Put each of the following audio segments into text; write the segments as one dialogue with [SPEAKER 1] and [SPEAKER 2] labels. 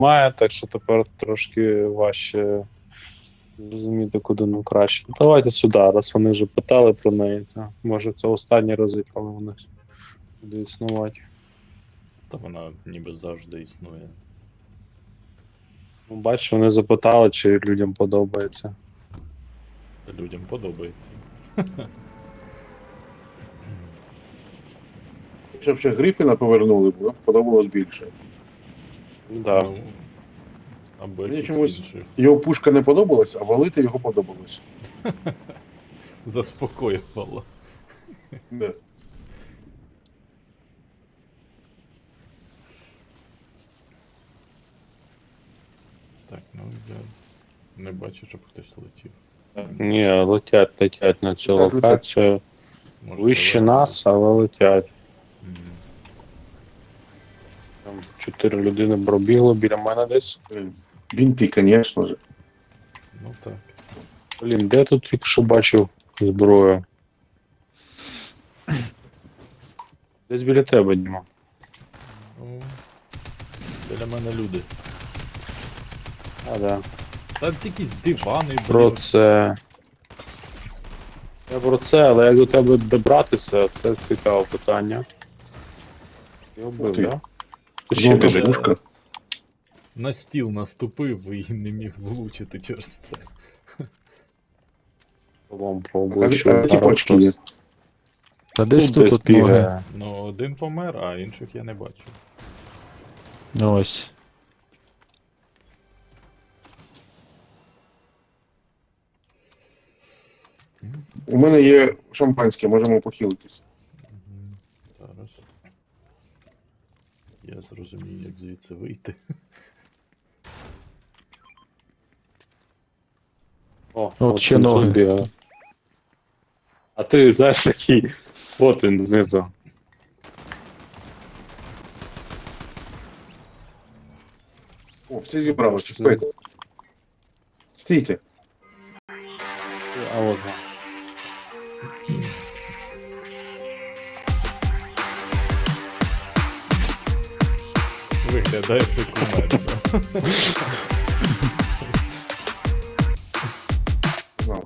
[SPEAKER 1] має, так що тепер трошки важче зрозуміти, куди нам краще. Давайте сюди, раз вони вже питали про неї. То, може це останній раз, коли вони буде існувати.
[SPEAKER 2] Та вона ніби завжди існує.
[SPEAKER 1] Ну, бачиш, вони запитали, чи людям подобається.
[SPEAKER 2] Та людям подобається.
[SPEAKER 3] Якщо б ще Грифіна повернули, б подобалось більше.
[SPEAKER 1] Да.
[SPEAKER 2] Ну, або
[SPEAKER 3] Мені
[SPEAKER 2] якийсь
[SPEAKER 3] чомусь-
[SPEAKER 2] інший.
[SPEAKER 3] Його пушка не подобалась, а валити його подобалось.
[SPEAKER 2] Заспокоювало.
[SPEAKER 3] Да.
[SPEAKER 2] Так, ну я не бачу, щоб хтось летів.
[SPEAKER 1] Ні, летять на цю
[SPEAKER 3] Летять,
[SPEAKER 1] локацію.
[SPEAKER 2] Може,
[SPEAKER 1] Вище
[SPEAKER 2] далеко.
[SPEAKER 1] нас, але летять.
[SPEAKER 2] Мгм.
[SPEAKER 1] Там 4 людини пробігло біля мене десь.
[SPEAKER 3] Блін. Бінти, звісно ж.
[SPEAKER 2] Ну так.
[SPEAKER 1] Блін, де тут тільки що бачив зброю? Десь біля тебе, Діма.
[SPEAKER 2] Ну, біля мене люди.
[SPEAKER 1] А, да.
[SPEAKER 2] Та якісь дивани,
[SPEAKER 1] Про
[SPEAKER 2] блін.
[SPEAKER 1] це. Я про це, але як до тебе добратися, це цікаве питання. Я
[SPEAKER 3] Ух
[SPEAKER 1] вбив,
[SPEAKER 3] ти.
[SPEAKER 1] да? Тут ще
[SPEAKER 3] Золота
[SPEAKER 1] біжить.
[SPEAKER 3] пушка.
[SPEAKER 2] На стіл наступив і не міг влучити через це.
[SPEAKER 1] Вам
[SPEAKER 3] А
[SPEAKER 1] пробую,
[SPEAKER 3] ті почки є.
[SPEAKER 4] Та десь
[SPEAKER 1] Тут
[SPEAKER 4] тут
[SPEAKER 1] десь
[SPEAKER 4] от ноги.
[SPEAKER 1] бігає.
[SPEAKER 2] Ну, один помер, а інших я не бачу.
[SPEAKER 4] Ось.
[SPEAKER 3] У мене є шампанське, можемо похилитись.
[SPEAKER 2] Мгм. Зараз. Я зрозумію, як звідси вийти.
[SPEAKER 1] О,
[SPEAKER 4] От ще
[SPEAKER 1] він тут
[SPEAKER 4] ноги.
[SPEAKER 1] бігає. А ти знаєш такий. От він знизу.
[SPEAKER 3] О, всі зібралися. Стойте. Стійте.
[SPEAKER 1] А от. він.
[SPEAKER 2] Виглядає це кумедно.
[SPEAKER 3] Ну,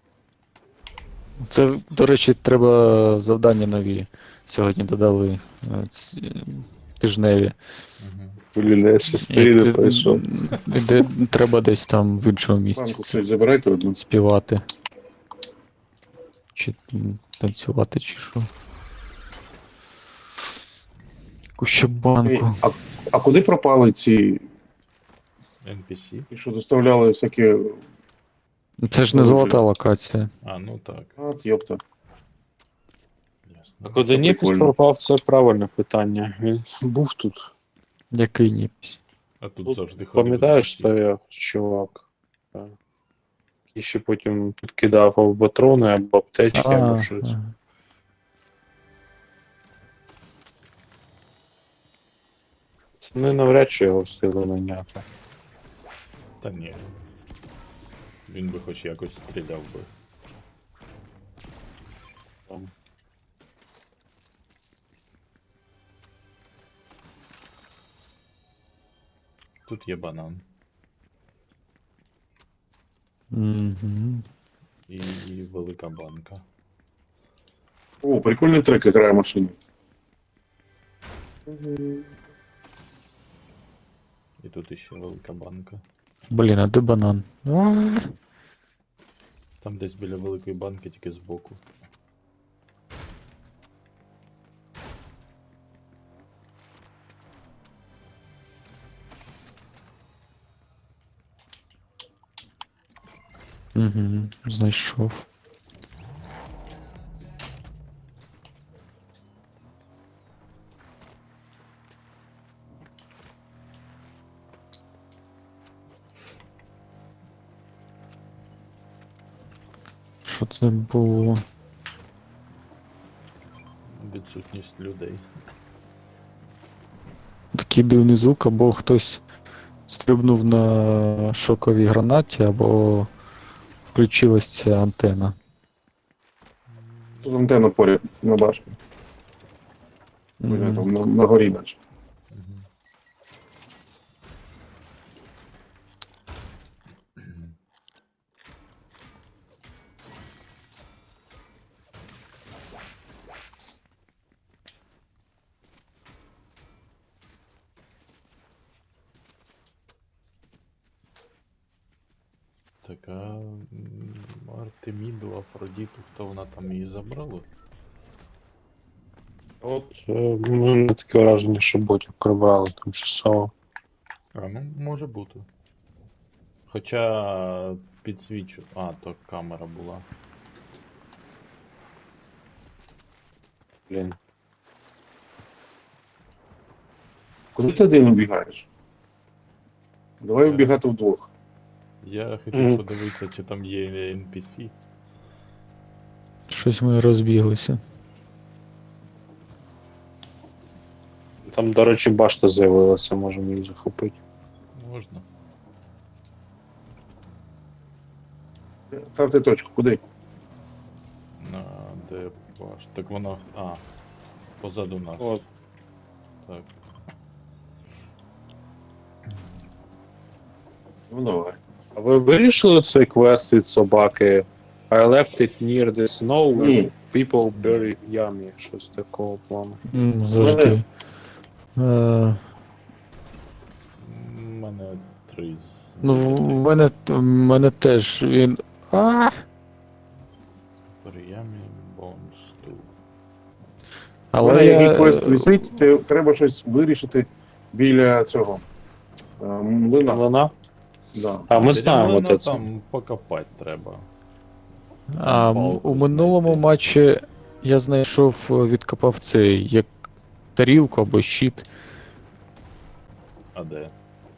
[SPEAKER 4] Це, до речі, треба завдання нові. Сьогодні додали тижневі.
[SPEAKER 2] Мгм.
[SPEAKER 1] Блін, я ще стріли пройшов.
[SPEAKER 4] Де треба десь там в іншому місці
[SPEAKER 3] банку
[SPEAKER 4] це
[SPEAKER 3] щось забирайте одну.
[SPEAKER 4] співати. Чи танцювати, чи що. Яку ще
[SPEAKER 3] Ей,
[SPEAKER 4] банку.
[SPEAKER 3] а куди пропали ці,
[SPEAKER 2] NPC?
[SPEAKER 3] що доставляли всякі...
[SPEAKER 4] Це ж не
[SPEAKER 3] Дуже.
[SPEAKER 4] золота локація.
[SPEAKER 2] А, ну так,
[SPEAKER 3] От, йопта.
[SPEAKER 1] А
[SPEAKER 2] ясно.
[SPEAKER 1] куди Ніпіс
[SPEAKER 3] прикольно.
[SPEAKER 1] пропав, це правильне питання. Він був тут.
[SPEAKER 4] Який ніпісь.
[SPEAKER 2] А тут
[SPEAKER 1] Тут
[SPEAKER 2] завжди ходить.
[SPEAKER 1] Пам'ятаєш, стояв чувак? Так. І ще потім підкидав або патрони, або аптечки, або щось.
[SPEAKER 4] ага.
[SPEAKER 1] Це не навряд чи його встигли наняти.
[SPEAKER 2] Та ні. Він би хоч якось стріляв би.
[SPEAKER 1] Там.
[SPEAKER 2] Тут є банан.
[SPEAKER 4] Мгм.
[SPEAKER 2] І велика банка.
[SPEAKER 3] О, прикольний трек грає машину.
[SPEAKER 2] І тут іще велика банка.
[SPEAKER 4] Блін, а де банан? А,
[SPEAKER 2] Там десь біля великої банки, тільки збоку.
[SPEAKER 4] Угу, знайшов. Що це було?
[SPEAKER 2] Відсутність людей.
[SPEAKER 4] Такий дивний звук, або хтось стрибнув на шоковій гранаті, або включилась ця антена.
[SPEAKER 3] Тут антенна поряд на башні.
[SPEAKER 4] Мгм.
[SPEAKER 3] Там на горі наче.
[SPEAKER 2] Мгм. Так, а Артеміду, Афродіту, хто вона там її забрала?
[SPEAKER 1] От у мене таке враження, що ботів прибрали тимчасово.
[SPEAKER 2] А, ну, може бути. Хоча підсвічу. А, то камера була.
[SPEAKER 1] Блін.
[SPEAKER 3] Куди ти один убігаєш? Давай вбігати вдвох.
[SPEAKER 2] Я хотів
[SPEAKER 1] Мгм.
[SPEAKER 2] подивитися, чи там є NPC.
[SPEAKER 4] Щось ми розбіглися.
[SPEAKER 1] Там, до речі, башта з'явилася, можемо її захопити.
[SPEAKER 2] Можна.
[SPEAKER 3] Ставте точку, куди?
[SPEAKER 2] На де ваш? Так вона. А. Позаду нас.
[SPEAKER 1] От.
[SPEAKER 2] Так.
[SPEAKER 3] Ну давай.
[SPEAKER 1] А ви вирішили цей квест від собаки? I left it near the snow where
[SPEAKER 3] Ні.
[SPEAKER 1] people bury yummy. Щось такого плану.
[SPEAKER 4] Завжди.
[SPEAKER 2] У мене 3 з.
[SPEAKER 4] Ну, в мене теж він.
[SPEAKER 2] Приємні бонсту.
[SPEAKER 3] У
[SPEAKER 4] Але
[SPEAKER 3] мене
[SPEAKER 4] я...
[SPEAKER 3] який квест висить, треба щось вирішити біля цього. Млина.
[SPEAKER 1] Вона?
[SPEAKER 3] Да.
[SPEAKER 1] А ми знаємо, де це.
[SPEAKER 2] Там покопати треба.
[SPEAKER 4] А
[SPEAKER 2] палку
[SPEAKER 4] у минулому
[SPEAKER 2] знайти.
[SPEAKER 4] матчі я знайшов, відкопав цей як тарілку або щит.
[SPEAKER 2] А де?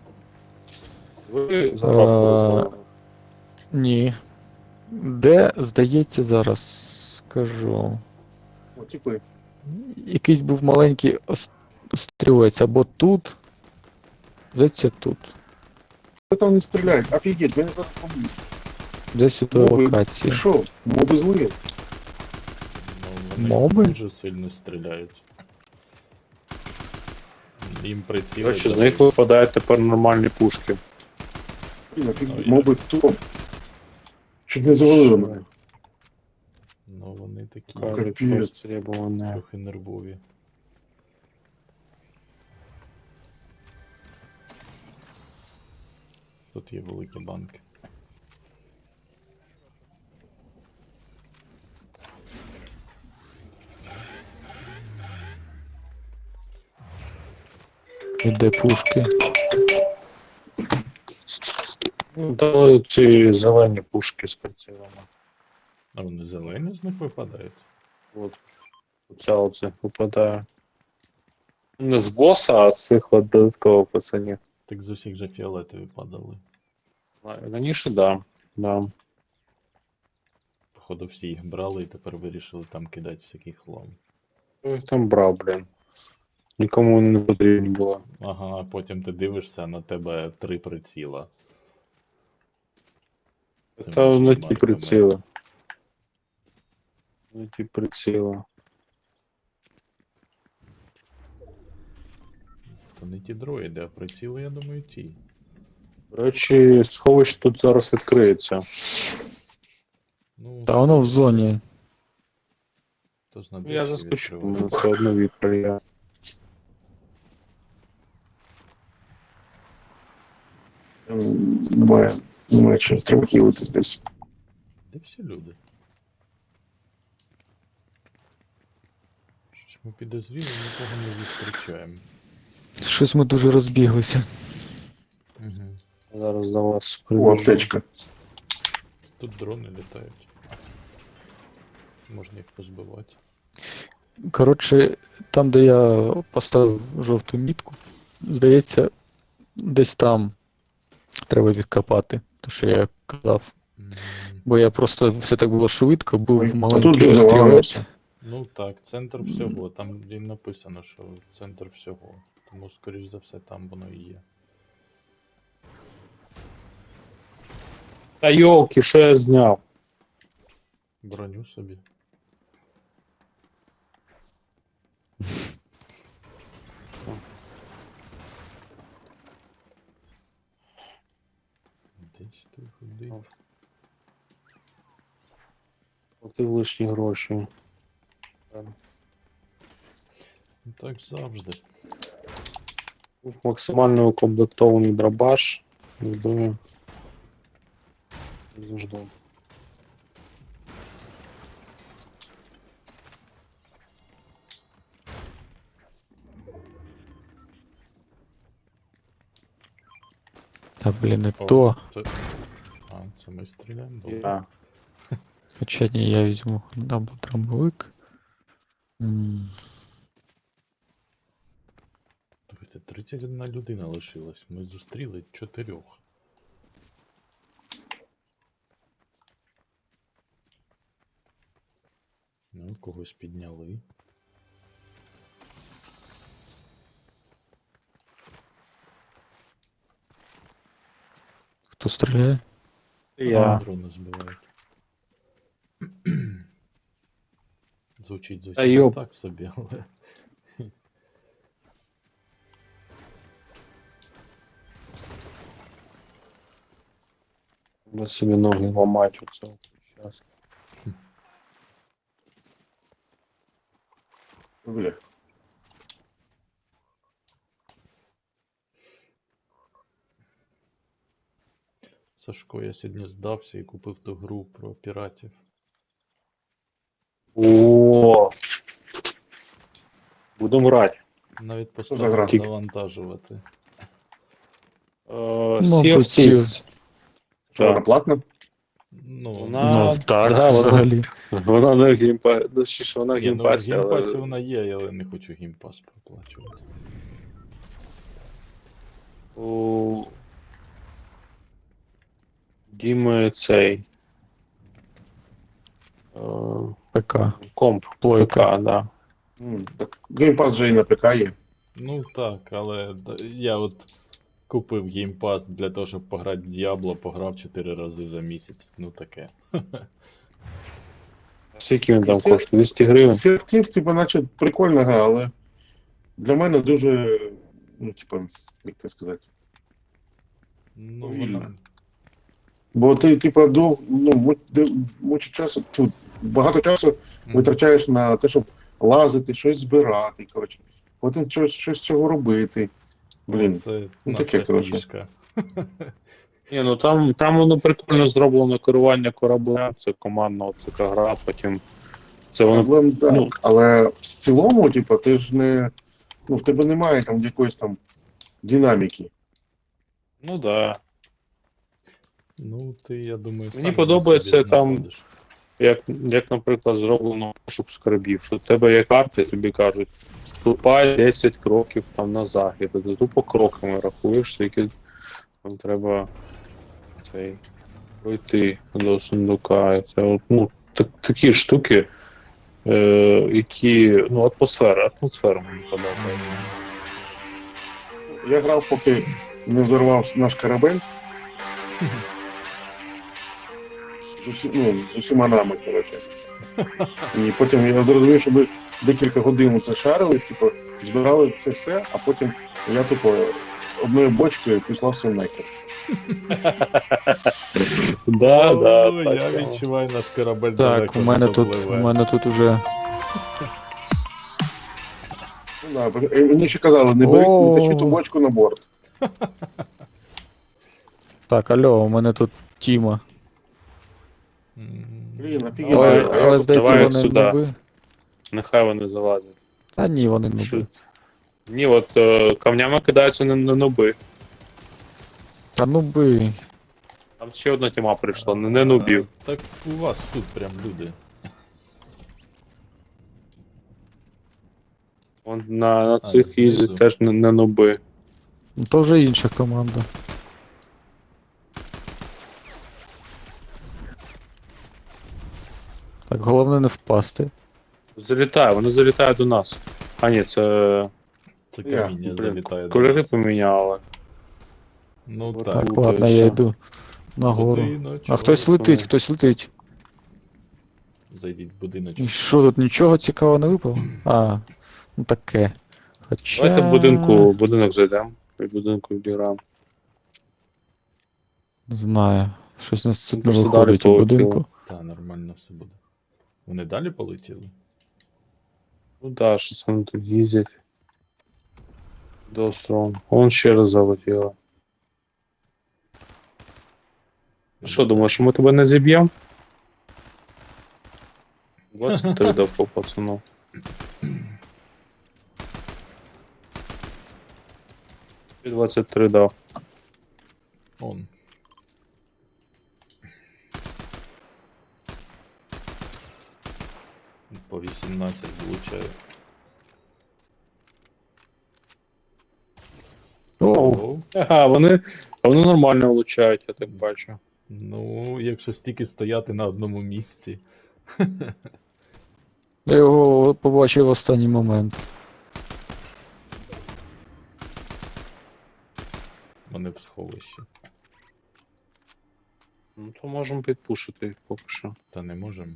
[SPEAKER 1] Ви заправку розвалили.
[SPEAKER 4] Ні. Де, здається, зараз скажу.
[SPEAKER 3] О, тікли.
[SPEAKER 4] Якийсь був маленький стрілець або тут. Здається, тут.
[SPEAKER 3] Хто там не стріляють? Офігеть, мене зараз поб'ють.
[SPEAKER 4] Десь у тій
[SPEAKER 3] Моби. Ти
[SPEAKER 4] локації.
[SPEAKER 3] що? Моби злі?
[SPEAKER 2] Ну, вони
[SPEAKER 4] Моби?
[SPEAKER 2] дуже сильно стріляють. Їм
[SPEAKER 1] До
[SPEAKER 2] приціли.
[SPEAKER 1] речі, з них випадають тепер нормальні пушки.
[SPEAKER 3] Блін, офігеть,
[SPEAKER 2] Ну, я-
[SPEAKER 3] моби хто? Чуть не завалили мене.
[SPEAKER 2] Ну вони такі
[SPEAKER 1] Кажуть,
[SPEAKER 3] Капець.
[SPEAKER 1] просто требування.
[SPEAKER 2] трохи нервові. Тут є великі банки.
[SPEAKER 4] І де пушки.
[SPEAKER 1] Ну, дали ці зелені пушки з прицілами.
[SPEAKER 2] А вони зелені з них випадають.
[SPEAKER 1] От. Оця оце випадає. Не з боса, а з цих от додаткових пацанів.
[SPEAKER 2] Так з усіх же фіолетові падали.
[SPEAKER 1] Раніше, да. Да.
[SPEAKER 2] Походу всі їх брали і тепер вирішили там кидати всякий хлам.
[SPEAKER 1] Хто їх там брав, блін. Нікому вони не потрібні було.
[SPEAKER 2] Ага, а потім ти дивишся, на тебе 3 приціла. Цими
[SPEAKER 1] Це не ті
[SPEAKER 2] марками.
[SPEAKER 1] приціли. Не ті приціли.
[SPEAKER 2] То не ті дроїди, а приціли, я думаю, ті.
[SPEAKER 1] До речі, сховище тут зараз відкриється.
[SPEAKER 2] Ну,
[SPEAKER 4] Та воно в зоні.
[SPEAKER 2] то з
[SPEAKER 1] Я заскочу,
[SPEAKER 2] відкриває.
[SPEAKER 1] мене все одно відкриє.
[SPEAKER 3] Немає чого, треба хілитись десь.
[SPEAKER 2] Де всі люди? Щось ми підозріли, нікого не зустрічаємо.
[SPEAKER 4] Щось ми дуже розбіглися.
[SPEAKER 2] Угу.
[SPEAKER 1] Зараз до вас
[SPEAKER 3] О,
[SPEAKER 1] прибіжу.
[SPEAKER 3] аптечка.
[SPEAKER 2] Тут дрони літають. Можна їх позбивати.
[SPEAKER 4] Коротше, там, де я поставив жовту мітку, здається, десь там треба відкопати, те, що я казав.
[SPEAKER 2] М,
[SPEAKER 4] Бо я просто все так було швидко,
[SPEAKER 3] Ой,
[SPEAKER 4] був
[SPEAKER 3] а тут
[SPEAKER 4] маленький
[SPEAKER 3] же
[SPEAKER 4] стрілець.
[SPEAKER 3] завалилося.
[SPEAKER 2] Ну так, центр всього. Там і написано, що центр всього. Тому, скоріш за все, там воно і є.
[SPEAKER 1] Та йолки, що я зняв?
[SPEAKER 2] Броню собі. Десь ти ходив.
[SPEAKER 1] Платив лишні гроші.
[SPEAKER 2] Ну так завжди.
[SPEAKER 1] Був максимально укомплектований дробаш. Не думаю. Жду.
[SPEAKER 4] Та блін, не
[SPEAKER 2] О,
[SPEAKER 4] то.
[SPEAKER 2] Це... А, це ми стріляємо? Добре.
[SPEAKER 1] Я.
[SPEAKER 4] Хоча ні, я візьму дабл-трамбовик.
[SPEAKER 2] Слухайте, 31 людина лишилась. Ми зустріли 4. Ну, когось підняли.
[SPEAKER 4] Хто стріляє?
[SPEAKER 1] Я.
[SPEAKER 2] Дрони збивають. Звучить
[SPEAKER 1] Та йоп.
[SPEAKER 2] так собі, але.
[SPEAKER 1] Ми собі ноги ламать оце зараз.
[SPEAKER 3] Бля.
[SPEAKER 2] Сашко, я сьогодні здався і купив ту гру про піратів.
[SPEAKER 1] О. Будемо грати.
[SPEAKER 2] Навіть
[SPEAKER 3] за
[SPEAKER 2] поставив
[SPEAKER 3] гра?
[SPEAKER 2] завантажувати.
[SPEAKER 1] Sea
[SPEAKER 4] Мабуть,
[SPEAKER 1] of Thieves.
[SPEAKER 3] Що, вона платна?
[SPEAKER 2] Ну,
[SPEAKER 1] Вона-
[SPEAKER 4] Ну, так,
[SPEAKER 1] да, вона-
[SPEAKER 4] взагалі.
[SPEAKER 1] Вона на геймпасі. Ну, чи ж вона в
[SPEAKER 2] ні, ну в
[SPEAKER 1] геймпасі,
[SPEAKER 2] геймпасі
[SPEAKER 1] але...
[SPEAKER 2] вона є, але не хочу геймпас проплачувати.
[SPEAKER 1] У Діми цей. е,
[SPEAKER 4] ПК.
[SPEAKER 1] Комп.
[SPEAKER 4] Плойка.
[SPEAKER 1] ПК, да.
[SPEAKER 3] Так, геймпад же і на ПК є.
[SPEAKER 2] Ну так, але я от купив геймпас для того, щоб пограти в Diablo, пограв 4 рази за місяць. Ну таке.
[SPEAKER 1] Скільки він там
[SPEAKER 3] Це-
[SPEAKER 1] коштує? 200 гривень?
[SPEAKER 3] Сертів, типу, наче прикольна гра, але для мене дуже, ну, типу, як це сказати.
[SPEAKER 2] Ну,
[SPEAKER 3] Повільно.
[SPEAKER 2] вона...
[SPEAKER 3] Бо ти, типу, мучить часу, тут багато часу витрачаєш на те, щоб лазити, щось збирати, коротше. Потім щось з цього робити. Блін,
[SPEAKER 2] Це
[SPEAKER 3] ну,
[SPEAKER 2] наша
[SPEAKER 3] таке, коротше.
[SPEAKER 2] фішка.
[SPEAKER 1] Ні, ну там воно прикольно зроблено керування кораблем, це командна така гра, потім це воно.
[SPEAKER 3] проблем так.
[SPEAKER 1] ну-
[SPEAKER 3] Але в цілому, типу, ти ж не. Ну, в тебе немає там якоїсь там динаміки.
[SPEAKER 1] Ну да.
[SPEAKER 2] Ну, ти, я думаю,
[SPEAKER 1] Мені
[SPEAKER 2] сам
[SPEAKER 1] подобається
[SPEAKER 2] собі
[SPEAKER 1] там-
[SPEAKER 2] знаходиш.
[SPEAKER 1] Як, наприклад, зроблено пошук скарбів, що в тебе є карти, тобі кажуть, ступай 10 кроків там на захід, і ти тупо кроками рахуєш, скільки там треба цей, пройти до сундука. І це от, ну, такі штуки, які. Ну, атмосфера мені подобається.
[SPEAKER 3] Я грав, поки не взорвав наш корабель. З усіма нами, коротше. І потім я зрозумів, що ми декілька годин це шарились, типу, збирали це все, а потім я типу одною бочкою пішла все нахер.
[SPEAKER 1] Да, да,
[SPEAKER 2] О,
[SPEAKER 1] так,
[SPEAKER 2] я
[SPEAKER 1] да.
[SPEAKER 2] відчуваю наш корабель
[SPEAKER 4] Так,
[SPEAKER 2] далеко
[SPEAKER 4] у
[SPEAKER 2] не
[SPEAKER 4] мене тут,
[SPEAKER 2] допливе.
[SPEAKER 4] у мене тут уже.
[SPEAKER 3] Ну, да, мені ще казали, не бери, не тащи ту
[SPEAKER 4] О.
[SPEAKER 3] бочку на борт.
[SPEAKER 4] Так, алло, у мене тут Тіма.
[SPEAKER 3] Блін, офігенно.
[SPEAKER 4] Але,
[SPEAKER 3] а я
[SPEAKER 4] але
[SPEAKER 3] тут
[SPEAKER 4] здається,
[SPEAKER 1] давай
[SPEAKER 4] вони
[SPEAKER 1] сюди.
[SPEAKER 4] нуби.
[SPEAKER 1] Нехай вони залазять.
[SPEAKER 4] Та ні, вони
[SPEAKER 1] Що?
[SPEAKER 4] нуби.
[SPEAKER 1] Ні, от камнями кидаються на нуби.
[SPEAKER 4] Та нуби.
[SPEAKER 1] Там ще одна тіма прийшла, не нубів.
[SPEAKER 2] Так у вас тут прям люди.
[SPEAKER 1] Вон на цих
[SPEAKER 2] знизу.
[SPEAKER 1] їздять теж не нуби.
[SPEAKER 4] Ну то вже інша команда. Так, головне не впасти.
[SPEAKER 1] Вони залітають до нас. А ні, це
[SPEAKER 2] Це
[SPEAKER 3] Я,
[SPEAKER 2] каміння залітає до
[SPEAKER 1] кольори
[SPEAKER 2] нас.
[SPEAKER 1] поміняли.
[SPEAKER 2] Ну
[SPEAKER 1] Так,
[SPEAKER 2] так.
[SPEAKER 4] Так,
[SPEAKER 1] Круто,
[SPEAKER 4] ладно,
[SPEAKER 1] і
[SPEAKER 4] я
[SPEAKER 1] все.
[SPEAKER 4] йду нагору.
[SPEAKER 2] Будиночок.
[SPEAKER 4] А хтось летить, хтось летить.
[SPEAKER 2] Зайдіть в будиночок.
[SPEAKER 4] І що тут нічого цікавого не випало? А, ну таке. Хоча...
[SPEAKER 1] Давайте в будинок зайдемо. І в будинку відіграємо.
[SPEAKER 4] Не знаю. Щось у нас тут не
[SPEAKER 1] Просто далі
[SPEAKER 4] виходить у
[SPEAKER 1] полетіло.
[SPEAKER 4] будинку.
[SPEAKER 2] Та, нормально все буде. Вони далі полетіли?
[SPEAKER 1] Ну да, що це вони тут їздять. До острову. Вон ще раз залетіло. Що думаєш, ми тебе не зіб'ємо? 23 дав по пацану. І 23 дав.
[SPEAKER 2] Он. По 18 влучаю.
[SPEAKER 4] О,
[SPEAKER 1] Ага, вони нормально влучають, я так бачу.
[SPEAKER 2] Ну, якщо стільки стояти на одному місці.
[SPEAKER 4] я його побачив в останній момент.
[SPEAKER 2] Вони в сховищі.
[SPEAKER 1] Ну то можемо підпушити їх поки що.
[SPEAKER 2] Та не можемо.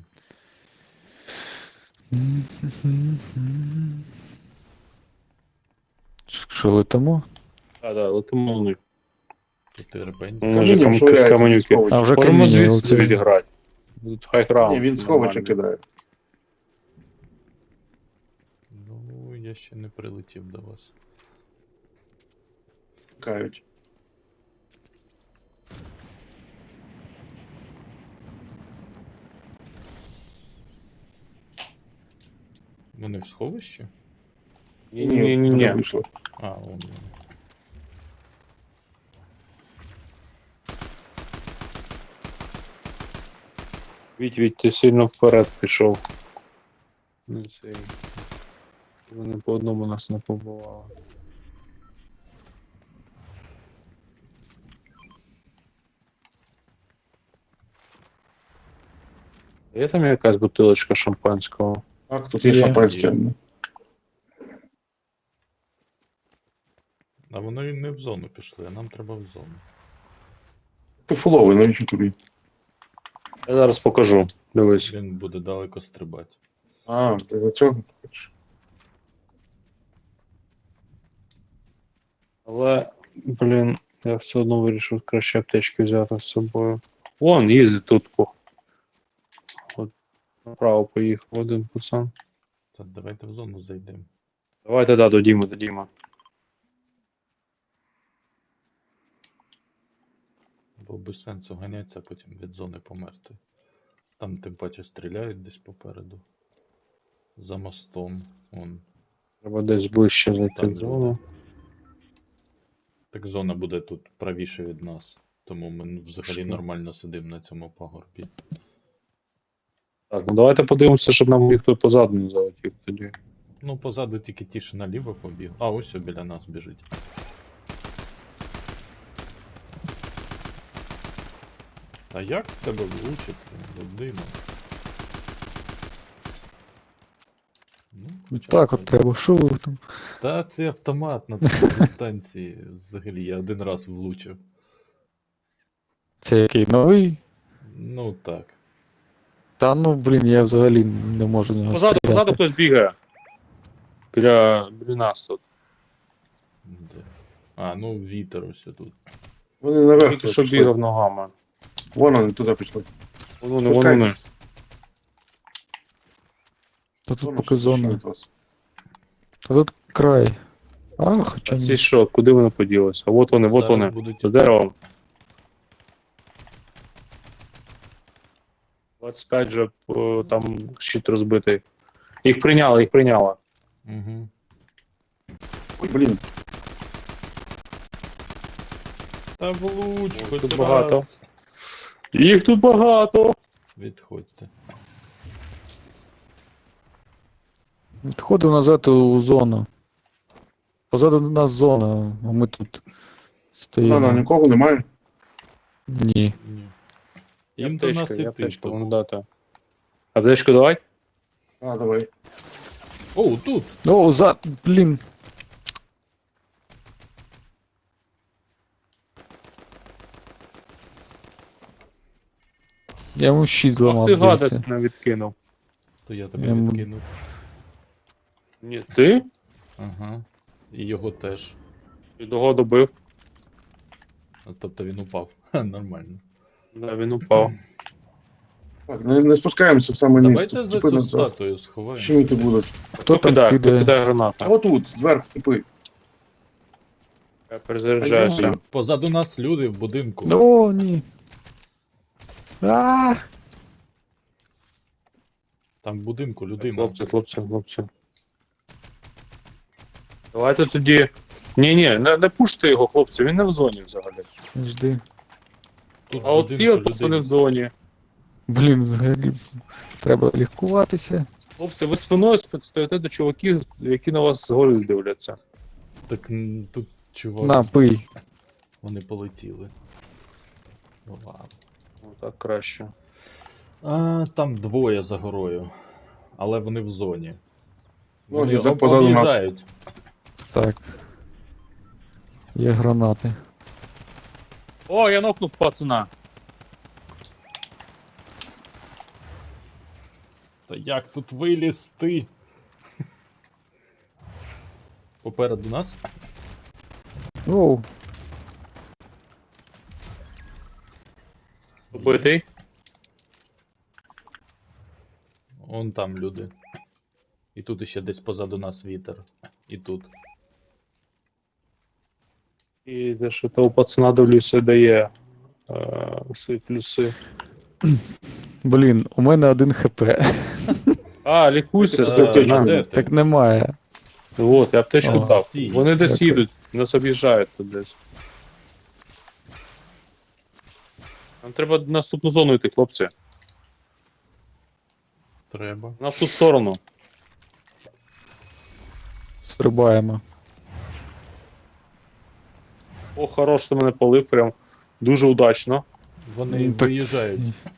[SPEAKER 4] Що летимо?
[SPEAKER 1] Так, так, летимо на них.
[SPEAKER 2] Тут і ребень.
[SPEAKER 1] Може
[SPEAKER 3] Камінням швиряється
[SPEAKER 1] каменюки.
[SPEAKER 3] зі сховища.
[SPEAKER 4] А вже
[SPEAKER 1] Можемо
[SPEAKER 4] каміння
[SPEAKER 1] звідси
[SPEAKER 4] оце.
[SPEAKER 1] відіграти. Тут хай граунд.
[SPEAKER 3] Ні, він сховища
[SPEAKER 1] нормально.
[SPEAKER 3] кидає.
[SPEAKER 2] Ну, я ще не прилетів до вас.
[SPEAKER 3] Кають.
[SPEAKER 2] Вони в сховищі?
[SPEAKER 1] Ні.
[SPEAKER 3] вже вийшло.
[SPEAKER 2] А, вон вони.
[SPEAKER 1] Віть, ти сильно вперед пішов. Не цей. Вони по одному нас не побували. Є там якась бутилочка шампанського?
[SPEAKER 3] Так, тут є
[SPEAKER 4] Є.
[SPEAKER 3] шампанське.
[SPEAKER 2] А вони не в зону пішли, а нам треба в зону.
[SPEAKER 3] Ти фуловий, навіщо тобі?
[SPEAKER 1] Я зараз покажу. Дивись.
[SPEAKER 2] Він буде далеко стрибати.
[SPEAKER 3] А, ти за цього хочеш?
[SPEAKER 1] Але, блін, я все одно вирішив краще аптечки взяти з собою. Вон, їздить тут. От, направо поїхав один пацан.
[SPEAKER 2] Та давайте в зону зайдемо.
[SPEAKER 1] Давайте, до Діми.
[SPEAKER 2] Бо без сенсу ганятися, а потім від зони померти. Там тим паче стріляють десь попереду. За мостом. Вон.
[SPEAKER 1] Треба десь ближче зайти
[SPEAKER 2] Так,
[SPEAKER 1] в зону.
[SPEAKER 2] Так зона буде тут правіше від нас. Тому ми взагалі
[SPEAKER 1] Що?
[SPEAKER 2] нормально сидимо на цьому пагорбі.
[SPEAKER 1] Так, ну давайте подивимося, щоб нам ніхто позаду не залетів тоді.
[SPEAKER 2] Ну, позаду тільки ті, що наліво побіг. А, ось біля нас біжить. А як в тебе влучити, людина? Ну, хоча б
[SPEAKER 4] Так от треба, що ви там?
[SPEAKER 2] Та це автомат на такій дистанції. Взагалі, я один раз влучив.
[SPEAKER 4] Це який новий?
[SPEAKER 2] Ну так.
[SPEAKER 4] Та ну блін, я взагалі не можу нього стріляти.
[SPEAKER 1] хтось бігає. Біля нас тут.
[SPEAKER 2] Де? А, ну вітер ось тут.
[SPEAKER 3] Вони наверх.
[SPEAKER 1] Тільки що
[SPEAKER 3] пішли.
[SPEAKER 1] бігав ногами.
[SPEAKER 3] Вон вони туди пішли.
[SPEAKER 1] Вони.
[SPEAKER 3] Спускайтесь.
[SPEAKER 4] Та тут
[SPEAKER 3] Зона
[SPEAKER 4] поки
[SPEAKER 3] щось
[SPEAKER 4] зона.
[SPEAKER 3] від вас.
[SPEAKER 4] Та тут край. А, хоча
[SPEAKER 1] А ці
[SPEAKER 4] ні.
[SPEAKER 1] що, куди вони поділися? От вони,
[SPEAKER 2] Зараз
[SPEAKER 1] вони.
[SPEAKER 2] будуть-
[SPEAKER 1] За деревом. 25 же там щит розбитий. Їх прийняли.
[SPEAKER 2] Угу.
[SPEAKER 3] Ой, блін.
[SPEAKER 2] Та влуч,
[SPEAKER 1] Ой,
[SPEAKER 2] хоч
[SPEAKER 1] тут
[SPEAKER 2] раз.
[SPEAKER 1] багато. Їх тут багато.
[SPEAKER 2] Відходьте.
[SPEAKER 4] Відходив назад у зону. Позаду нас зона, а ми тут стоїмо.
[SPEAKER 3] На, нікого немає.
[SPEAKER 4] Ні.
[SPEAKER 2] Ні. Їм до нас іти.
[SPEAKER 1] аптечка,
[SPEAKER 2] тому-
[SPEAKER 1] вон дати. Аптечку давай?
[SPEAKER 3] А, давай.
[SPEAKER 2] О, тут!
[SPEAKER 4] О, блін. Я йому щит
[SPEAKER 1] Ах
[SPEAKER 4] зламав,
[SPEAKER 1] ти
[SPEAKER 4] здається.
[SPEAKER 1] гадость не відкинув.
[SPEAKER 2] То я тебе
[SPEAKER 4] Я м-
[SPEAKER 2] відкинув.
[SPEAKER 1] Ні, ти?
[SPEAKER 2] Ага. І його теж.
[SPEAKER 1] Ти того добив.
[SPEAKER 2] Тобто він упав. Ха, нормально.
[SPEAKER 1] Да, він упав.
[SPEAKER 3] Так, не спускаємося в саме низ.
[SPEAKER 2] Давайте
[SPEAKER 3] Тут
[SPEAKER 2] за
[SPEAKER 3] типи
[SPEAKER 2] цю
[SPEAKER 3] на
[SPEAKER 2] статую сховаємо.
[SPEAKER 3] щеміти будуть.
[SPEAKER 4] Хто там
[SPEAKER 1] Хто
[SPEAKER 4] кидає?
[SPEAKER 1] кидає
[SPEAKER 3] А
[SPEAKER 1] гранату?
[SPEAKER 3] отут, зверху типи.
[SPEAKER 1] Я перезаряджаюся.
[SPEAKER 3] Ай-ой.
[SPEAKER 2] Позаду нас люди в будинку.
[SPEAKER 4] О, ні. А!
[SPEAKER 2] Там в будинку людина.
[SPEAKER 1] Хлопці. Давайте тоді. Ні, не пуште його, хлопці, він не в зоні взагалі.
[SPEAKER 4] Жди.
[SPEAKER 2] Тут в
[SPEAKER 1] А от ці
[SPEAKER 2] будинку
[SPEAKER 1] от пацани в
[SPEAKER 2] людина.
[SPEAKER 1] зоні.
[SPEAKER 4] Блін, взагалі треба лікуватися.
[SPEAKER 1] Хлопці, ви спиною стоїте до чуваків, які на вас згори дивляться.
[SPEAKER 2] Так тут чувак.
[SPEAKER 4] На, пий.
[SPEAKER 2] Вони полетіли. Ну ладно.
[SPEAKER 1] Ну так краще.
[SPEAKER 2] А, там двоє за горою. Але вони в зоні.
[SPEAKER 3] Ну,
[SPEAKER 2] Вони
[SPEAKER 3] і позаду нас.
[SPEAKER 2] об'їжджають.
[SPEAKER 4] Так. Є гранати.
[SPEAKER 1] О, я нокнув пацана.
[SPEAKER 2] Та як тут вилізти? Попереду нас?
[SPEAKER 4] Оу,
[SPEAKER 1] Убитий.
[SPEAKER 2] Вон там люди. І тут іще десь позаду нас вітер. І тут.
[SPEAKER 1] І де що того пацана дивлюся дає свої плюси.
[SPEAKER 4] блін, у мене 1 хп.
[SPEAKER 1] А, лікуйся,
[SPEAKER 3] Е,
[SPEAKER 1] з аптечкою.
[SPEAKER 2] де ти?
[SPEAKER 4] Так немає.
[SPEAKER 1] Вот, я аптечку
[SPEAKER 4] О,
[SPEAKER 1] дав.
[SPEAKER 2] стій.
[SPEAKER 1] Вони десь
[SPEAKER 4] Дякую.
[SPEAKER 1] їдуть, нас об'їжджають тут десь. Нам треба в наступну зону йти, хлопці.
[SPEAKER 2] Треба.
[SPEAKER 1] На ту сторону.
[SPEAKER 4] Стрибаємо.
[SPEAKER 1] О, хорош, ти мене полив, прям дуже удачно.
[SPEAKER 2] Вони
[SPEAKER 4] Ну, так-
[SPEAKER 2] виїжджають.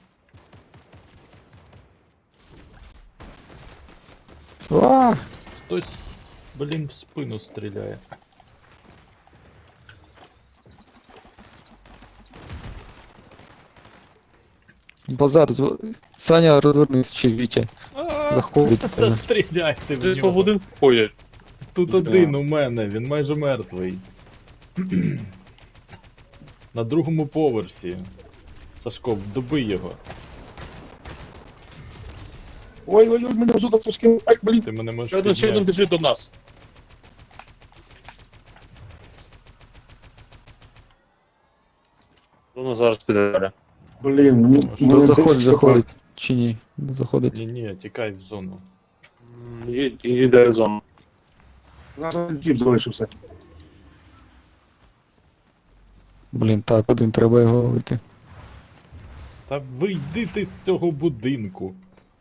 [SPEAKER 4] А!
[SPEAKER 2] Хтось, блін, в спину стріляє.
[SPEAKER 4] Базар, Саня, розвернись, чи Вітя. Заходить до
[SPEAKER 2] Та
[SPEAKER 4] тебе.
[SPEAKER 2] стріляйте в
[SPEAKER 1] Десь по
[SPEAKER 2] нього.
[SPEAKER 1] будинку ходять.
[SPEAKER 2] Тут
[SPEAKER 1] Да.
[SPEAKER 2] один у мене, він майже мертвий. На другому поверсі. Сашко, добий його.
[SPEAKER 3] Ой, мене взута пускив. Ай, блін.
[SPEAKER 2] Ти мене можеш
[SPEAKER 1] Ще один
[SPEAKER 2] підняти.
[SPEAKER 1] біжить до нас. Воно зараз піде далі.
[SPEAKER 3] Блін, мені...
[SPEAKER 2] Що,
[SPEAKER 3] мене
[SPEAKER 4] Заходить,
[SPEAKER 3] 10
[SPEAKER 4] заходить. Чи ні? Не заходить.
[SPEAKER 2] Ні, тікай в зону.
[SPEAKER 1] Іде в зону.
[SPEAKER 3] хп. У нас один тіп залишився.
[SPEAKER 4] Блін, так, один треба його ловити.
[SPEAKER 2] Та вийди ти з цього будинку.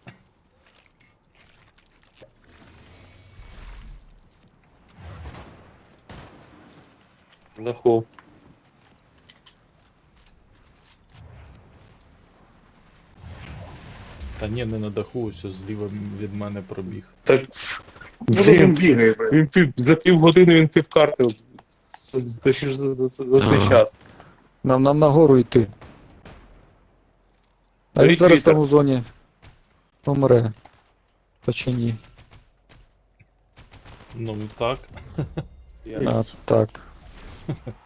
[SPEAKER 1] Даху.
[SPEAKER 2] Та ні, не на даху, ось зліва від мене пробіг.
[SPEAKER 1] Так,
[SPEAKER 3] Ну, він
[SPEAKER 1] блін,
[SPEAKER 3] бігає, блін.
[SPEAKER 1] за півгодини він півкарти. Це ще ж за цей час.
[SPEAKER 4] Нам нагору йти. А він
[SPEAKER 1] Беріть
[SPEAKER 4] зараз
[SPEAKER 1] вітер.
[SPEAKER 4] там у зоні помре. Та чи ні?
[SPEAKER 2] Ну так.
[SPEAKER 1] Я-
[SPEAKER 4] А, так.